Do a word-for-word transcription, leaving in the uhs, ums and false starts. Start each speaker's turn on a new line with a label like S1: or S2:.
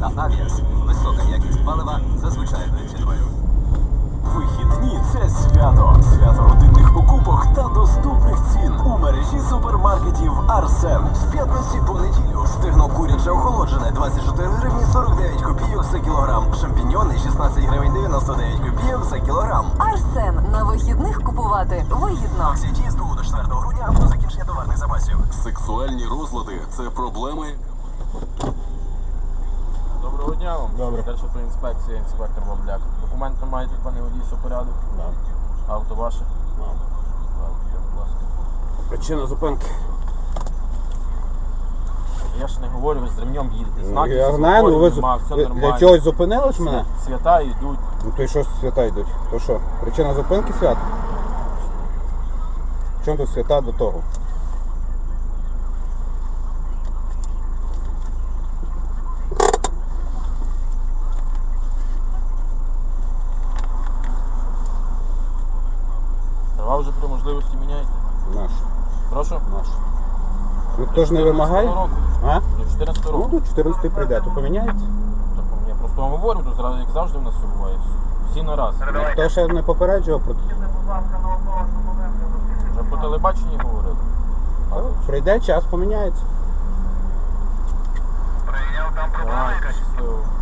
S1: Авіас. Висока якість палива за звичайною ціною.
S2: Вихідні – це свято. Свято родинних покупок та доступних цін у мережі супермаркетів Арсен.
S1: З п'ятниці по неділю. Стегно куряче охолоджене двадцять чотири гривні сорок дев'ять копійок за кілограм. Шампіньйони шістнадцять гривень дев'яносто дев'ять копійок за кілограм.
S3: Арсен. На вихідних купувати вигідно.
S1: Акція діє з другого до четвертого грудня або закінчення товарних запасів.
S2: Сексуальні розлади – це проблеми.
S4: Доброго дня вам.
S5: Добре.
S4: Перша про інспекція, інспектор Бабляк. Документи маєте, пане водій, все порядок?
S5: Да.
S4: Авто ваше?
S5: Да.
S4: Так, будь ласка.
S5: Причина зупинки.
S4: Я ж не говорю, ви з ремнем їдете. Знаки,
S5: Я
S4: всі
S5: знаю, ну ви,
S4: нема, все
S5: ви
S4: нормально.
S5: для чогось зупинили ж мене?
S4: Свята йдуть.
S5: Ну то й що свята йдуть? То що? Причина зупинки свят? В чому тут свята до того?
S4: Права вже при можливості міняєте.
S5: Наш.
S4: Прошу?
S5: Наш. Ну хто ж не вимагає?
S4: року.
S5: А?
S4: До чотирнадцятого
S5: Ну
S4: року.
S5: до чотирнадцятого прийде, то поміняється.
S4: Так, я просто вам говорю, тут зразу, як завжди в нас все буває. Всі на раз.
S5: Ніхто ще не попереджував про це.
S4: Вже по телебаченні говорили.
S5: Прийде час, поміняється.
S4: Давайте, щасливо.